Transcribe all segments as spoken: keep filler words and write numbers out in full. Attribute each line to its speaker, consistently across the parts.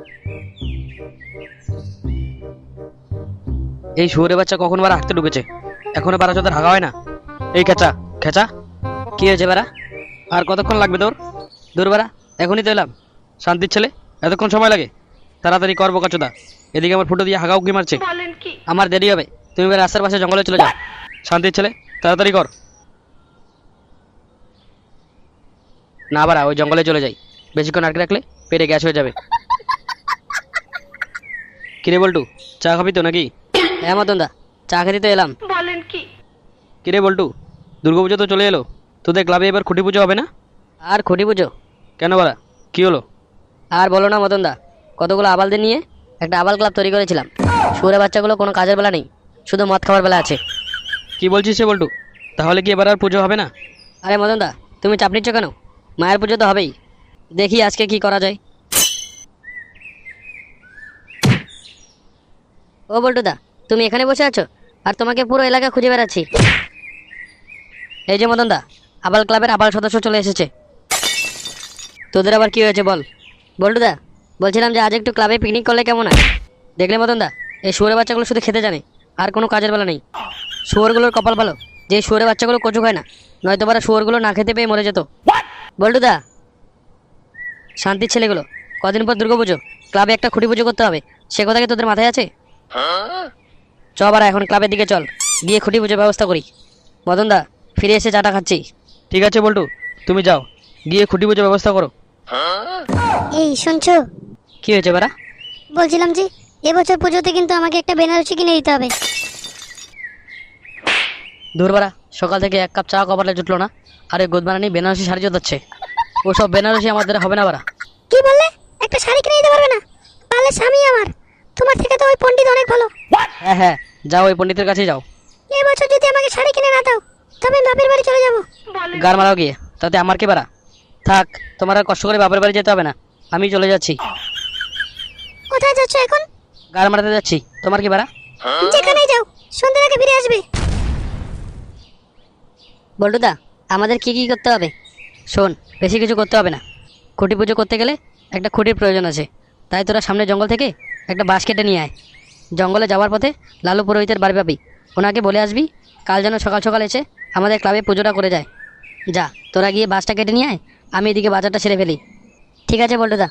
Speaker 1: এই শুয়োরের বাচ্চা কখন বারা হাঁটতে ঢুকেছে, এখনো বারা চোদের হাগা হয় না। এই খেচা খেচা, কি হয়েছে বারা? আর কতক্ষণ লাগবে তোর? দূর বারা, এখনই তো এলাম। শান্তির ছেলে, এতক্ষণ সময় লাগে? তাড়াতাড়ি কর বোকাচোদা, এদিকে আমার ফুটো দিয়ে হাগা উকি মারছে। আমার দেরি হবে, তুমি এবার রাস্তার পাশে জঙ্গলে চলে যাও। শান্তির ছেলে, তাড়াতাড়ি কর। না বারা, ওই জঙ্গলে চলে যাই, বেশিক্ষণ আটকে রাখলে পেটে গ্যাস হয়ে যাবে। কিরে বল্টু, চা খাবি তো নাকি? হ্যাঁ মদনদা, চা খেতে তো এলাম।
Speaker 2: বলেন কি?
Speaker 1: কিরে বল্টু, দুর্গাপুজো তো চলে এলো, তোদের ক্লাবে এবার খুঁটি পুজো হবে না?
Speaker 3: আর খুঁটি পুজো?
Speaker 1: কেন বারা, কি হলো?
Speaker 3: আর বলো না মদনদা, কতগুলো আবালদের নিয়ে একটা আবাল ক্লাব তৈরি করেছিলাম। শুয়োরের বাচ্চাগুলো কোনো কাজের বেলা নেই, শুধু মদ খাওয়ার বেলা আছে।
Speaker 1: কি বলছিস সে বল্টু? তাহলে কি এবার আর পুজো হবে না?
Speaker 3: আরে মদনদা, তুমি চাপ নিচ্ছ কেন? মায়ের পুজো তো হবেই, দেখি আজকে কি করা যায়। ও বল্টুদা, তুমি এখানে বসে আছো আর তোমাকে পুরো এলাকা খুঁজে বেড়াচ্ছি। এই যে মদনদা, আবাল ক্লাবের আবাল সদস্য চলে এসেছে। তোদের আবার কি হয়েছে বল? বল্টুদা, বলছিলাম যে আজ একটু ক্লাবে পিকনিক করলে কেমন হয়? দেখলে মদনদা, এই শুয়োরের বাচ্চাগুলো শুধু খেতে জানে, আর কোনো কাজের বেলা নেই। শুয়োরগুলোর কপাল ভালো যে শুয়োরের বাচ্চাগুলো কচু খায় না, নয়তো বারা শুয়োরগুলো না খেতে পেয়ে মরে যেত। বল্টুদা, শান্তির ছেলেগুলো, কদিন পর দুর্গাপুজো, ক্লাবে একটা খুঁটি পুজো করতে হবে, সে কথা কি তোদের মাথায় আছে? চ বারা, এখন ক্লাবের দিকে চল, গিয়ে খুঁটি পুজোর ব্যবস্থা করি। মদনদা, ফিরে এসে চাটা খাচ্ছি।
Speaker 1: ঠিক আছে বল্টু, তুমি যাও, গিয়ে খুঁটি পুজোর ব্যবস্থা করো।
Speaker 4: এই শুনছো?
Speaker 3: কি হয়েছে বারা?
Speaker 4: বলছিলাম যে এবছর পুজোতে কিন্তু আমাকে একটা বেনারসি কিনে দিতে হবে।
Speaker 3: ধুর বারা, সকাল থেকে এক কাপ চা কপালে জুটলো না, আর এই গোদবানানি বেনারসি শাড়ি জোতাচ্ছে। ওসব বেনারসি আমাদের হবে না বারা।
Speaker 4: কি বললে? একটা শাড়ি কিনে দিতে পারবে না? তাহলে স্বামী আমার, তোমার থেকে তো ওই পণ্ডিত অনেক ভালো।
Speaker 3: হ্যাঁ হ্যাঁ, যাও, ওই পণ্ডিতের কাছেই যাও।
Speaker 4: এবছর যদি আমাকে শাড়ি কিনে না দাও, তবে আমি বাপের বাড়ি চলে যাবো।
Speaker 3: গার মারাও গিয়ে, তাতে আমার কি বারা? থাক, তোমার আর কষ্ট করে বাপের বাড়ি যেতে হবে না, আমি চলে যাচ্ছি।
Speaker 4: কোথায় যাচ্ছ এখন?
Speaker 3: গার মারাতে যাচ্ছি, তোমার কি বারা?
Speaker 4: যেখানেই যাও, সন্ধ্যার আগে ফিরে আসবে।
Speaker 3: বল্টুদা, আমাদের কি কি করতে হবে? শোন, বেশি কিছু করতে হবে না। খুঁটি পুজো করতে গেলে একটা খুঁটির প্রয়োজন আছে, তাই তোরা সামনে জঙ্গল থেকে একটা বাঁশ কেটে নিয়ে আয়। জঙ্গলে যাওয়ার পথে লালু পুরোহিতের বাড়ি পাবি, ওনাকে বলে আসবি কাল যেন সকাল সকাল এসে আমাদের ক্লাবে পুজোটা করে যায়। যা, তোরা গিয়ে বাঁশটা কেটে নিয়ে আয়, আমি এদিকে বাজারটা সেরে ফেলি। ঠিক আছে বল্টুদা।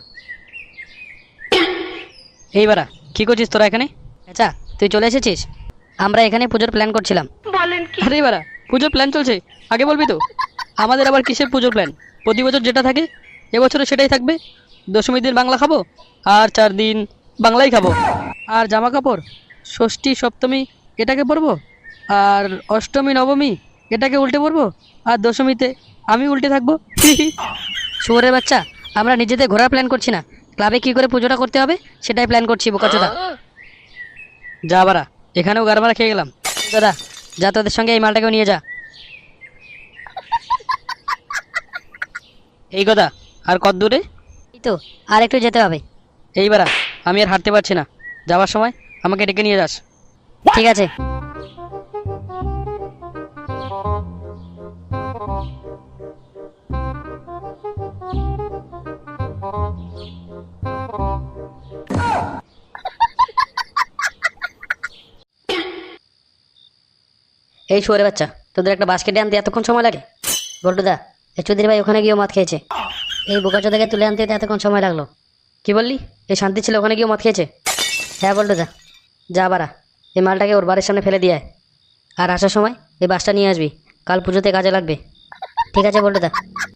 Speaker 3: এই বারা, কী করছিস তোরা এখানে? আচ্ছা, তুই চলে এসেছিস? আমরা এখানে পুজোর প্ল্যান করছিলাম।
Speaker 2: বলেন কি?
Speaker 1: আরে বারা, পুজোর প্ল্যান চলছে, আগে বলবি তো। আমাদের আবার কিসের পুজোর প্ল্যান? প্রতি বছর যেটা থাকে এবছরও সেটাই থাকবে। দশমীর দিন বাংলা খাবো, আর চার দিন বাংলাই খাবো। আর জামা কাপড় ষষ্ঠী সপ্তমী এটাকে পরবো, আর অষ্টমী নবমী এটাকে উল্টে পরবো, আর দশমীতে আমি উল্টে থাকবো।
Speaker 3: শুয়োরের বাচ্চা, আমরা নিজেদের ঘোরার প্ল্যান করছি না, ক্লাবে কি করে পুজোটা করতে হবে সেটাই প্ল্যান করছি বোকাচোদা।
Speaker 1: যা বারা, এখানেও গারমারা খেয়ে গেলাম।
Speaker 3: দাদা, যা তোদের সঙ্গে এই মালটাকেও নিয়ে যা।
Speaker 1: এই কথা, আর কত দূরে?
Speaker 3: এই তো, আর একটু যেতে হবে।
Speaker 1: এই বারা, আমি আর হাঁটতে পারছি না, যাওয়ার সময় আমাকে ডেকে নিয়ে যাস।
Speaker 3: ঠিক আছে। এই শুয়োরের বাচ্চা, তোদের একটা বাস্কেটে আনতে এতক্ষণ সময় লাগে? বল্টুদা, এই চৌধুরী ভাই ওখানে গিয়েও মদ খেয়েছে, এই বোকাচোদাকে তুলে আনতে তো এতক্ষণ সময় লাগলো। কি বললি? এই শান্তি ছিল ওখানে গিয়েও মদ খেয়েছে? হ্যাঁ বল্টুদা, যা বারা, এই মালটাকে ওর বাড়ির সামনে ফেলে দিয়ে আয়, আর আসার সময় এই বাসটা নিয়ে আসবি, কাল পুজোতে কাজে লাগবে। ঠিক আছে বল্টুদা।